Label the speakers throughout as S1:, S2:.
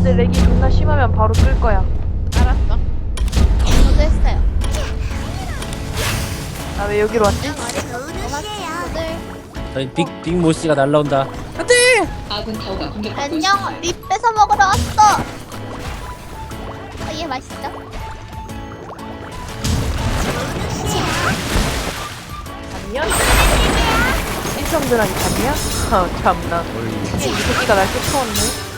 S1: 근데 렉이 존나 심하면 바로 끌 거야.
S2: 알았어.
S3: 저도 했어요.
S1: 나 왜 여기로 왔지?
S3: 친구들.
S4: 저희 빅 모씨가 날라온다.
S5: 아군 타워가 공격받고
S3: 안녕.
S5: 있습니다.
S3: 립 뺏어 먹으러 왔어. 얘 맛있죠?
S1: 잠이야? 일성들한테 잠이야? 아 참나. 이 새끼가 날 쫓아왔네.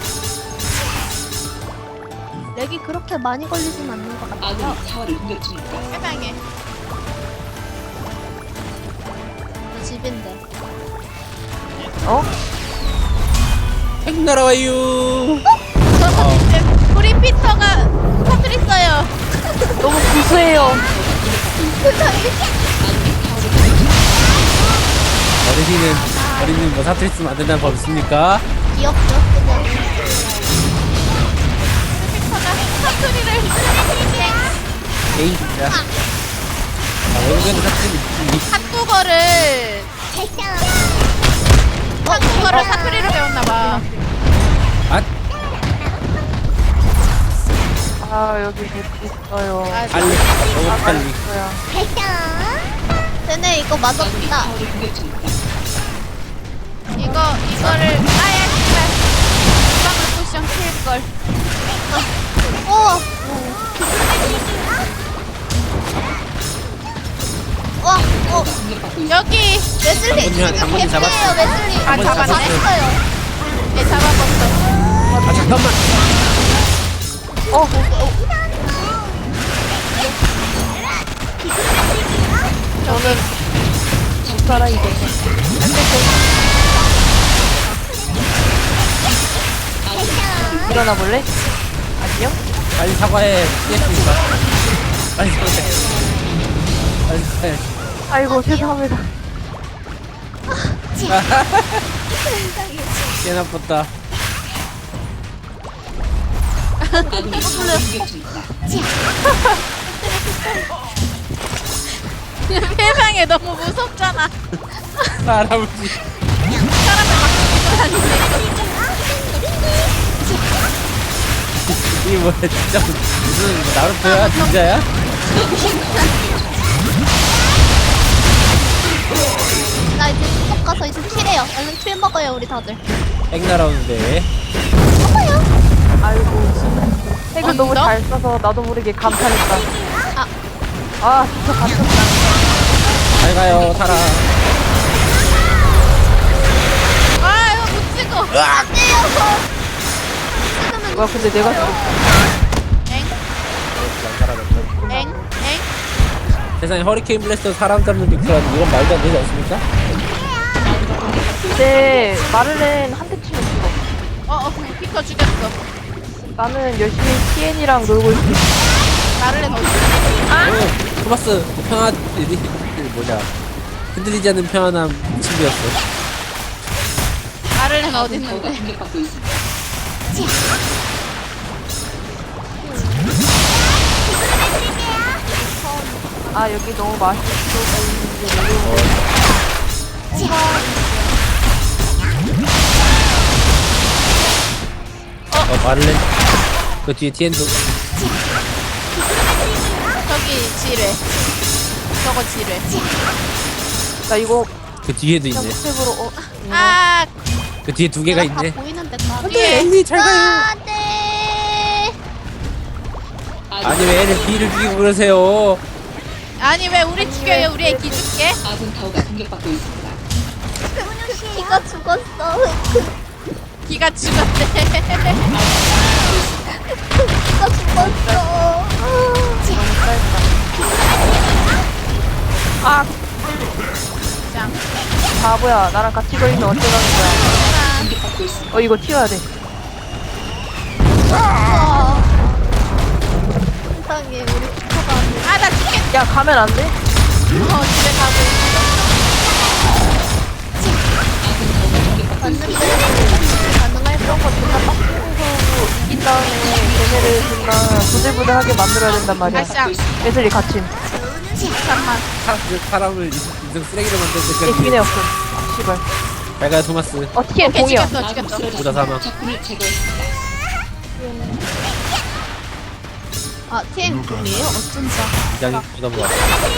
S3: 렉이 그렇게 많이 걸리진 않는 것 같아요.
S5: 아군이 타워를 공격 중입니다.
S2: 해방해.
S3: 저 집인데.
S1: 어?
S4: 핵 날아와요.
S2: 이제 우리 피터가 터뜨렸어요.
S1: 너무 구수해요.
S4: 어린이는 뭐 사투리쓰면 안 된다는 법 있습니까?
S3: 귀엽죠? 그냥.
S2: 피터가 사투리를.
S4: 에이 진짜. 외국에도 사투리
S2: 한국어를 사투리로 배웠나봐.
S4: 아
S1: 아 여기 렉 있어요.
S2: 아,
S4: 빨리 너무 빨리.
S1: 있어요.
S3: 쟤네 이거
S5: 아군이
S3: 맞았다.
S5: 타워를 공격 중입니다.
S2: 이거를 아야 씨발. 빵을 쿠션 킬걸.
S3: 우와. 와,
S5: 공격받고 있습니다.
S2: 여기
S3: 웨슬리.
S4: 장군님 잡았어.
S3: 개피예요, 웨슬리.
S2: 아, 잡았네.
S3: 잘했어요.
S2: 얘 잡아봤어.
S4: 아 잠깐만.
S1: 저는 살아 이제. 일어나 볼래? 안녕?
S4: 빨리 사과해. 피했으니까. 빨리 사과해. 빨리 사과해.
S1: 아이고 죄송합니다.
S4: 개 나빴다.
S5: 아군이 타워를 공격 중입니다.
S2: 해방해 너무 무섭잖아.
S4: 할아버지. 이게 뭐야 진짜 무슨 나루토야 진짜야?
S3: 나 이제 수업 가서 이제 킬해요. 얼른 킬 먹어요, 우리 다들.
S4: 핵 날아오는데.
S1: 아이고 핵을 너무
S2: 너?
S1: 잘 써서 나도 모르게 감탄했다.
S3: 아.
S1: 아 진짜 감탄다.
S4: 잘 가요 타라.
S2: 아 이거 못 찍어.
S3: 안 돼요.
S1: 뭐야 근데 내가
S2: 엥?
S4: 세상에 허리케인 블래스터 사람 잡는 빅스라는 이건 말도 안 되지 않습니까?
S1: 내 마를렌 한 대 치면 죽어.
S2: 피터 죽였어.
S1: 나는 열심히 TN이랑 놀고 있어.
S2: 나를 해 넣어.
S4: 오, 토마스 뭐냐 흔들리지 않는 평안함 친구였어.
S2: 나를 해
S5: 아군 타워가
S2: 어딨는데?
S5: 공격받고 있습니다.
S1: 아 여기 너무 맛있어 보이는데 너무
S4: 마를렌 그 뒤에 TN도
S2: 저기 지뢰. 저거 지뢰.
S1: 나 이거
S4: 그 뒤에도 있네.
S1: 스텝으로
S2: 아
S4: 그 뒤에 두 개가
S3: 내가 다
S4: 있네.
S3: 보이는데 까.
S2: 뒤에.
S4: 앤디 잘 가요.
S3: 안 돼.
S4: 아니 왜 애를 B를 죽이고 그러세요?
S2: 아니 왜 우리 죽여요? 우리 애 기줄게.
S5: 아군 타워가 공격받고 있습니다.
S3: 키가 죽었어.
S2: 기가 죽었대.
S3: 키가 죽었어.
S1: 아
S2: 짱.
S1: 바보야 나랑 같이 걸리면 어쩌라는 거야.
S5: 공격받고 있습니다.
S1: 이거 튀어야 돼.
S3: 세상에 우리 키가 안 돼.
S2: 아 나 죽겠.
S1: 야 가면 안 돼?
S2: 집에 가고
S5: 아군 타워가 공격받고
S3: 맞는데
S5: 있습니다.
S3: 가능할
S1: 이런 거 존나 빡치고 이긴 다음에 걔네를 존나 부들부들하게 만들어야 된단 말이야.
S2: 아싸.
S1: 웨슬리 갇힘.
S2: 잠깐만.
S4: 사람을 인생 쓰레기로 만들
S1: 얘
S4: 때까지.
S1: 기네 없음. 아, 씨발.
S4: 잘 가요 토마스.
S1: TN
S2: 오케이
S1: 공이야.
S2: 죽였어
S5: 아군
S2: 죽였어.
S4: 보다 사망.
S5: 쓰러졌습니다. 적군을 제거했습니다.
S3: 아 TN 공이에요? 어쩐지.
S4: 이장이 보다 보아.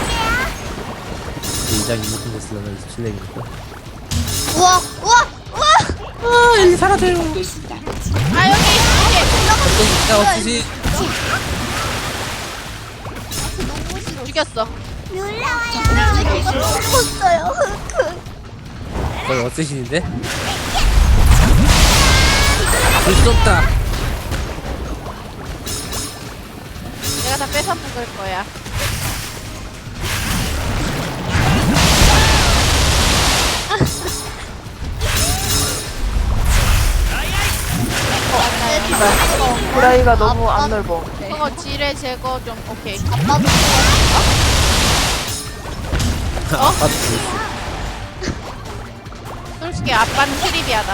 S4: 이장이 무슨 됐으려면 실례니까.
S3: 우와 우와 우와.
S4: 아 엘리 사라져요.
S5: 공격받고 있습니다.
S2: 아 여기 이렇게
S4: 야 어찌지?
S3: 너무 싫어.
S2: 죽였어.
S3: 룰라와요. 이거 죽었어요.
S4: 거의 어쌔신인데? 볼 수 없다.
S2: 내가 다 뺏어 먹을 거야.
S1: 브라이가 너무 안 넓어.
S2: 그거 지뢰 제거 좀 오케이.
S3: 아빠도
S4: 아빠도 볼 수.
S2: 솔직히 아빠는 트리비아다.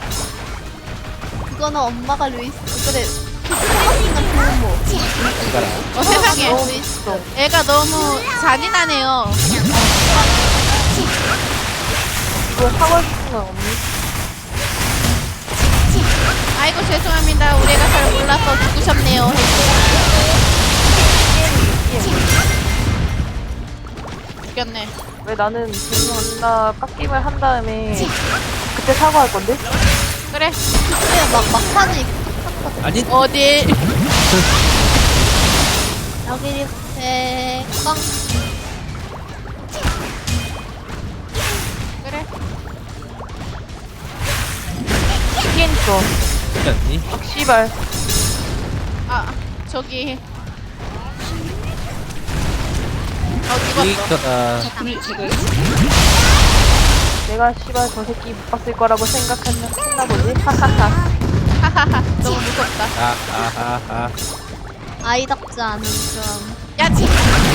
S3: 그거는 엄마가 루이스. 그래. 생각보다 좋은 뭐.
S4: 이거라.
S2: 세상에
S3: 루이스.
S2: 애가 너무 잔인하네요.
S1: 이거 사과 같은 건 없니?
S2: 아이고 죄송합니다. 우리 애가 잘 몰라서 죽으셨네요. 죽였네.
S1: 왜 나는 존나 깎임을 한 다음에 그때 사과할 건데?
S2: 그래.
S3: 그래 막판에
S4: 아니
S2: 어딜?
S3: 여기 이렇게 꽝.
S2: 그래.
S1: TN 있어.
S4: 그렇지 않니?
S1: 아, 씨발.
S2: 아 저기. 죽었어.
S4: 이거다.
S5: 적군을 제거했습니다.
S1: 내가 씨발 저 새끼 못 봤을 거라고 생각했나 보지? 하하하.
S2: 하하하. 너무 무섭다.
S4: 아아아아.
S3: 아이답지 않은 좀.
S2: 야 지.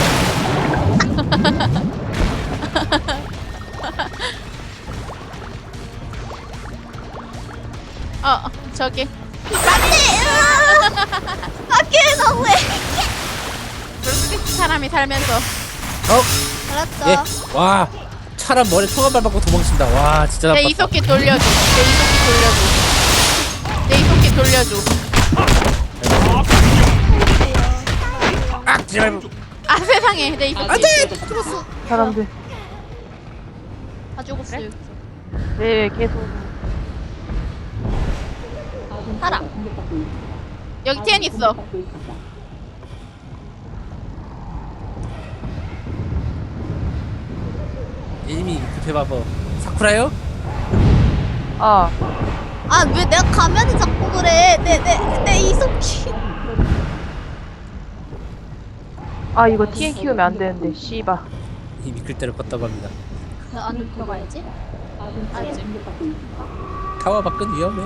S2: 저기.
S3: 안돼. 아끼 너무해.
S2: 그럴 수도 있지 사람이 살면서.
S4: 어?
S3: 알았죠.
S4: 예. 와. 차란 머리 총알 밟고 도망친다. 와 진짜
S2: 내
S4: 나빴다.
S2: 이석기 돌려줘. 내 이석기 돌려줘.
S4: 아 제발.
S2: 아 세상에 내 이석기.
S5: 안돼.
S1: 사람들.
S3: 다 죽었어요.
S1: 네, 계속.
S3: 살아.
S2: 여기 TN 있어.
S4: 이미 급해봐봐. 사쿠라요?
S1: 아,
S3: 아 왜 내가 가면은 자꾸 그래. 내 이속기.
S1: 아, 이거 TN 키우면 안 되는데, 씨발.
S4: 이미 글대로 껐다고 합니다.
S3: 그 안에 들어가야지.
S4: 타워 밖은 위험해.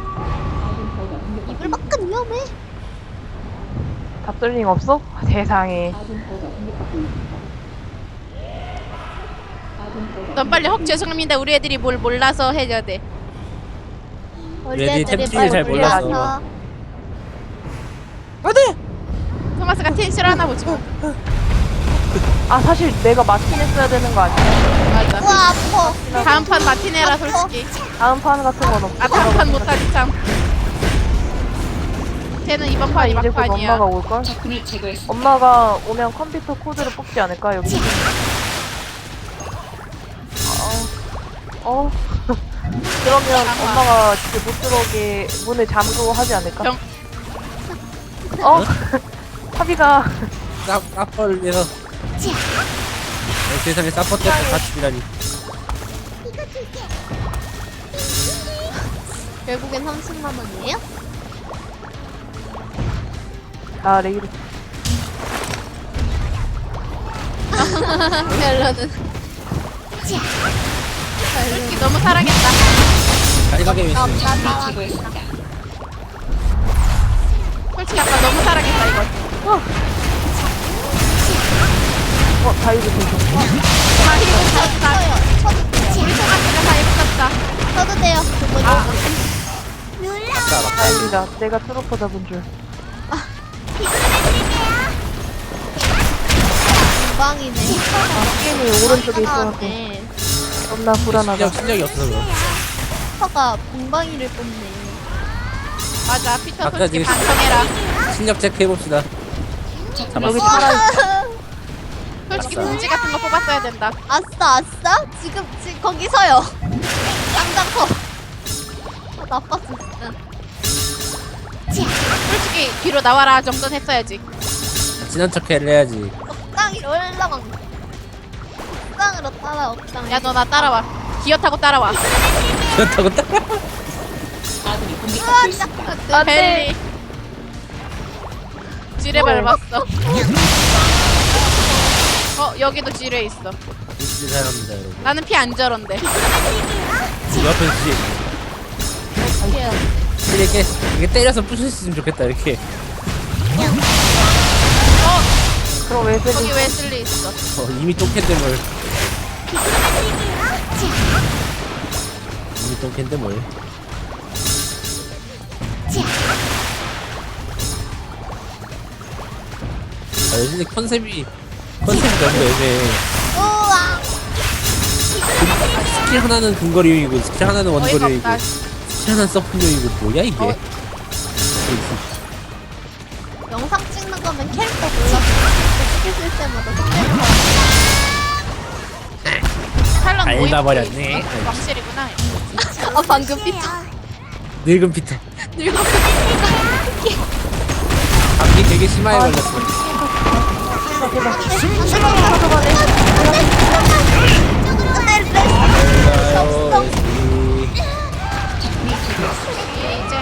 S3: 이불 밖은 위험해.
S1: 답돌링 없어? 세상에.
S2: 넌 빨리 헉 죄송합니다. 우리 애들이 뭘 몰라서 해야 돼.
S4: 얘들이 템트리를 잘 몰라서.
S1: 안돼!
S2: 토마스가 TN 싫어하나 보지 뭐.
S1: 아, 사실 내가 마틴 했어야 되는 거 아니야?
S2: 맞아.
S3: 우와 아파.
S2: 다음 판 마티네라 솔직히.
S1: 다음 판 같은 건 없어.
S2: 아 다음 판 못하지 참. 쟤는 이번
S1: 아,
S2: 판이
S1: 이제 곧
S2: 막판이야.
S1: 엄마가 올걸?
S5: 적군을 제거했습니다.
S1: 엄마가 오면 컴퓨터 코드를 뽑지 않을까, 여기? 그러면 엄마가 집에 못 들어오게 문을 잠그고 하지 않을까?
S2: 병-
S1: 사비가
S4: 사퍼를 위해서. 세상에 사퍼 때문에 다 죽이라니.
S3: 결국엔 30만 원이에요?
S1: 아, 레이드.
S3: 멜로는.
S2: 솔직히 너무 사랑했다.
S4: 가리가게 왜 있어?
S5: 적군을 제거했습니다.
S2: 솔직히 아까 너무 사랑했다 이거.
S1: 다이브 되죠.
S2: 다 입었다.
S3: 쳐도 돼요.
S2: 우리 토마스가 다 입었다.
S3: 쳐도 돼요. 그거
S2: 아.
S1: 다행이다. 내가 트로퍼 잡은 줄.
S3: 금방이네.
S1: 게임이 오른쪽에 있어서
S3: 네.
S1: 겁나 불안하다.
S4: 실력이 없어서 그래.
S3: 슈퍼가 공방이를 뽑네.
S2: 맞아 피터
S4: 아까
S2: 솔직히
S4: 지금
S2: 반성해라.
S4: 실력 체크해봅시다.
S1: 여기
S4: 잡았어.
S1: 살아있어.
S2: 솔직히
S4: 알았어.
S2: 분지 같은 거 뽑았어야 된다.
S3: 아싸 아싸 지금 거기 서요 당장 서 아, 나빴어 진짜
S2: 솔직히 뒤로 나와라 정도는 했어야지.
S4: 친한 척해를 해야지.
S3: 억당이 올라간 억당으로 따라 억당
S2: 야 너 나 따라와. 기어 타고 따라와.
S4: 그렇다고 딱.
S5: 아군이 공격받고
S3: 으아
S5: 있습니다.
S3: 짝
S2: 벨리. 지뢰 밟았어. 여기도 지뢰 있어.
S4: 진짜 사랑합니다 여러분.
S2: 나는 피 안 저런데.
S4: 옆에 뒤에 이렇게 때려서 부술 수 있으면 좋겠다 이렇게.
S1: 그럼 왜
S2: 거기
S1: 벨리?
S2: 웨슬리 있어.
S4: 이미 똥캔데 뭘. 이미 똥캔데 뭘. 아 요즘에 컨셉이 너무 애매해.
S3: 우와
S4: 스킬 하나는 근거리용이고 스킬 하나는
S2: 어이가
S4: 원거리용이고
S2: 없다.
S4: 스킬 하나는 서폿용이고 뭐야 이게.
S3: 영상 찍는 거면 캐릭터 몰라 스킬 쓸 때마다 속대는 거
S2: 탈론
S4: 알다
S2: 모임
S4: 버렸네.
S2: 왕실이구나.
S3: 아 방금 피터
S4: 늙은 피터.
S3: 늙어
S4: 감기 되게 심하게 걸렸어. 아이고,
S2: 이제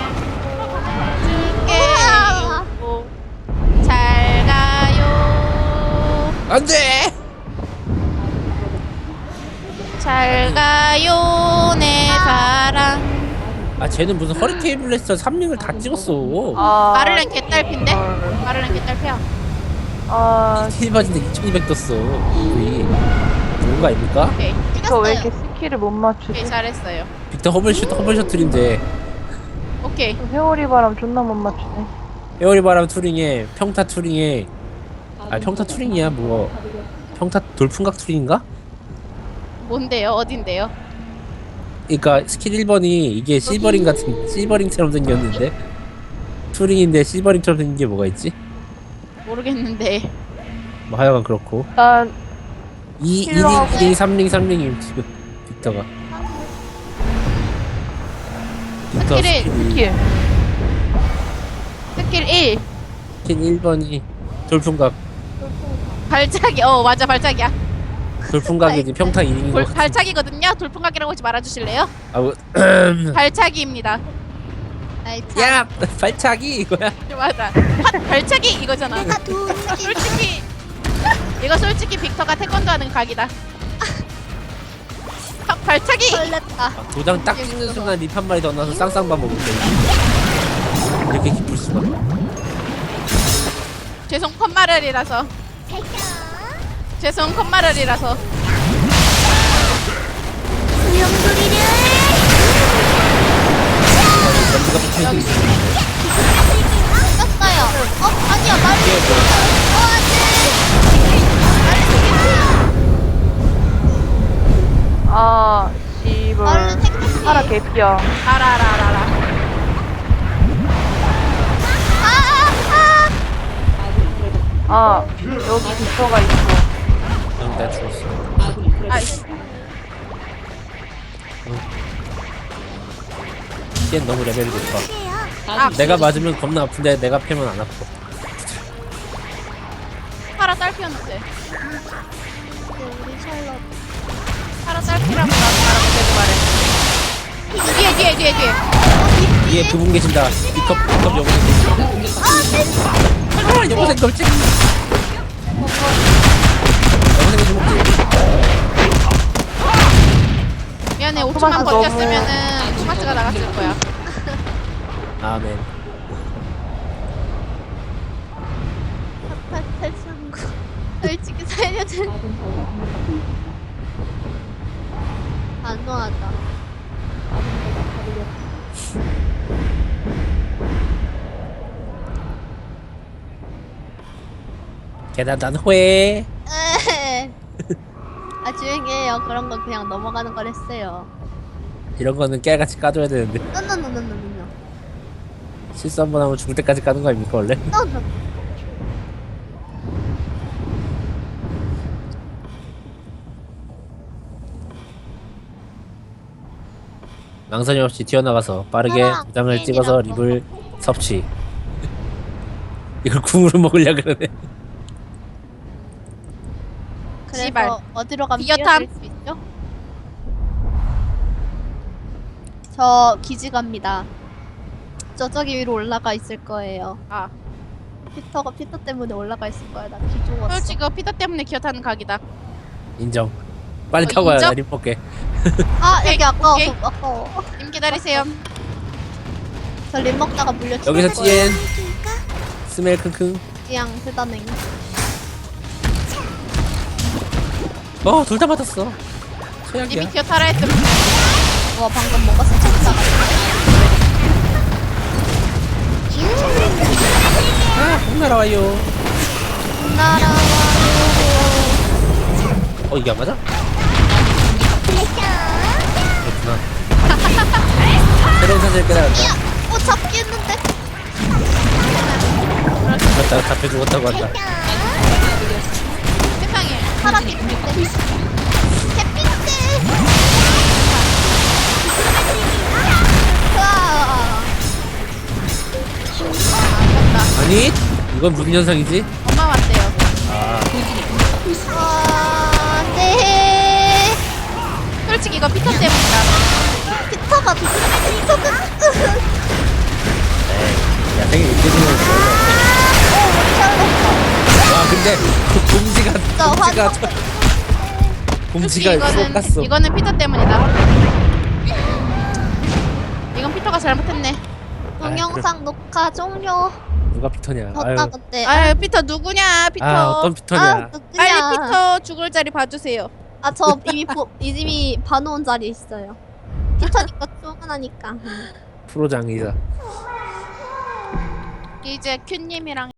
S2: 줄게요. 잘 가요.
S4: 안돼.
S2: 잘 가요 내 사랑.
S4: 아 쟤는 무슨 허리케인 블래스터 3링을 다 찍었어.
S1: 아,
S2: 마를렌 개딸핀데? 마를렌 개딸피야.
S1: 아,
S4: 힐바진데 2200 떴어. 우리 좋은 거 아닙니까?
S2: 오케이.
S1: 저 왜
S3: 죽였어요
S1: 이렇게 스킬을 못
S2: 오케이
S1: 맞추지?
S2: 잘했어요.
S4: 빅터 허블 셔틀인데
S2: 오케이.
S1: 회오리 바람 존나 못 맞추네.
S4: 에어리바람 투링에 평타 투링에 평타 투링이야 뭐 평타 돌풍각 투링인가?
S2: 뭔데요? 어딘데요?
S4: 그니까 스킬 1번이 이게 실버링 같은 실버링처럼 생겼는데 투링인데 실버링처럼 생긴 게 뭐가 있지?
S2: 모르겠는데.
S4: 뭐 하여간 그렇고
S1: 난
S4: 2링,
S1: 힐러하고
S4: 2링, 3링, 3링임 지금 빅터가 빅터
S2: 스킬을-
S4: 스킬이
S1: 스킬.
S2: 스킬 1.
S4: 스킬 1번이 돌풍각
S2: 발차기. 맞아 발차기야.
S4: 돌풍각이지 평타 2링인 거 같은
S2: 발차기거든요. 돌풍각이라고 하지 말아주실래요?
S4: 아, 뭐,
S2: 발차기입니다.
S3: 아이 참
S4: 야! 발차기 이거야?
S2: 맞아. 발차기 이거잖아.
S3: 내가 두
S2: 솔직히 이거 솔직히 빅터가 태권도 하는 각이다. 발차기.
S3: 설렜다
S4: 도장 딱 찍는 순간 립 한 마리 더 넣어서 쌍쌍밥 먹을 때 이렇게 기쁠 수가.
S2: 죄송 컷마를이라서. 죄송 컷마를이라서.
S4: 연기가 붙어있는 게
S3: 죽였어요 아니야 말이 안돼
S1: 아, 씨발.
S3: 말은 생각해
S1: 파라 개피야.
S2: 알아라.
S1: 아, 여기 빅터가 있어.
S4: 그럼 내가 죽었어.
S2: 아이씨.
S4: 얜 너무 레벨이 높아.
S2: 아,
S4: 내가 맞으면 겁나 아픈데 내가 패면 안 아파.
S2: 파라 딸피였는데.
S3: 우리 샬럿
S2: 파라 딸피라고 나도 말하고 말해. 뒤에.
S4: 위에 그분 계신다. 픽업 여고생 계신다. 아, 여고생 걸지? 여고생 좀 먹지?
S2: 미안해 5초만
S1: 토마스
S2: 버텼으면은 토마스가 나갔을 거야.
S4: 아멘.
S3: 탈출구 솔직히 살려준 안 좋아하다
S4: 계단단 회.
S3: 아 조용히 해요 그런 건 그냥 넘어가는 걸 했어요
S4: 이런 거는 깨알같이 까줘야 되는데
S3: 노노노노노노노
S4: 실수 한 번 하면 죽을 때까지 까는 거 아닙니까 원래?
S3: 노노
S4: 망설임 없이 튀어나가서 빠르게
S3: 사랑,
S4: 도장을 찍어서
S3: 팬이라고.
S4: 립을 섭취. 이걸 궁으로 먹으려 그러네.
S3: 그래서
S2: 씨발.
S3: 어디로 가면
S2: 비교탐.
S3: 뛰어들 수 있죠? 저 기지 갑니다. 저기 위로 올라가 있을 거예요.
S2: 아
S3: 피터 때문에 올라가 있을 거야. 나 기 죽었어.
S2: 솔직히 이거 피터 때문에 기어 타는 각이다.
S4: 인정. 빨리
S2: 어,
S4: 타고 와요.
S2: 인정?
S4: 나 립 볼게.
S3: 아 여기 아까워서
S2: 오케이.
S3: 아까워.
S2: 님 기다리세요.
S3: 저 림 먹다가 물려 죽을
S4: 여기서
S3: 거예요.
S4: 찌엔. 스멜 킁킁.
S3: 찌양 세다냉.
S4: 둘 다 맞았어. 최악이야.
S2: 님이 기어 타라 했으면
S3: 와 방금 뭔가 스쳤다.
S4: 꼭 날아와요.
S3: 날아와요.
S4: 이게 안 맞아? 그렇구나. 새로운 사실을 깨달았다.
S3: 잡기 했는데.
S4: 맞다. 잡혀 죽었다고 한다.
S2: 세상에.
S3: 사람이 있는데. 햇빛대. 으아.
S4: 아니, 이건 무슨 현상이지?
S2: 엄마 왔대요.
S3: 아, 네.
S2: 솔직히 이거 피터 때문이다.
S3: 피터가
S4: 야, 생일 느껴지는 거 와, 근데 그 곰지가
S2: 솔직히
S4: 쏙갔어.
S2: 이거는 피터 때문이다. 이건 피터가 잘못했네.
S3: 동영상 녹화 종료.
S4: 누가 피터냐? 아유,
S3: 졌다 그때.
S2: 아유 피터 누구냐 피터.
S4: 어떤 피터냐?
S3: 아, 누구냐?
S2: 빨리 피터 죽을 자리 봐주세요.
S3: 저 이미 봐놓은 자리 있어요. 피터니까 출근하니까.
S4: 프로장이다.
S2: 이제 큐님이랑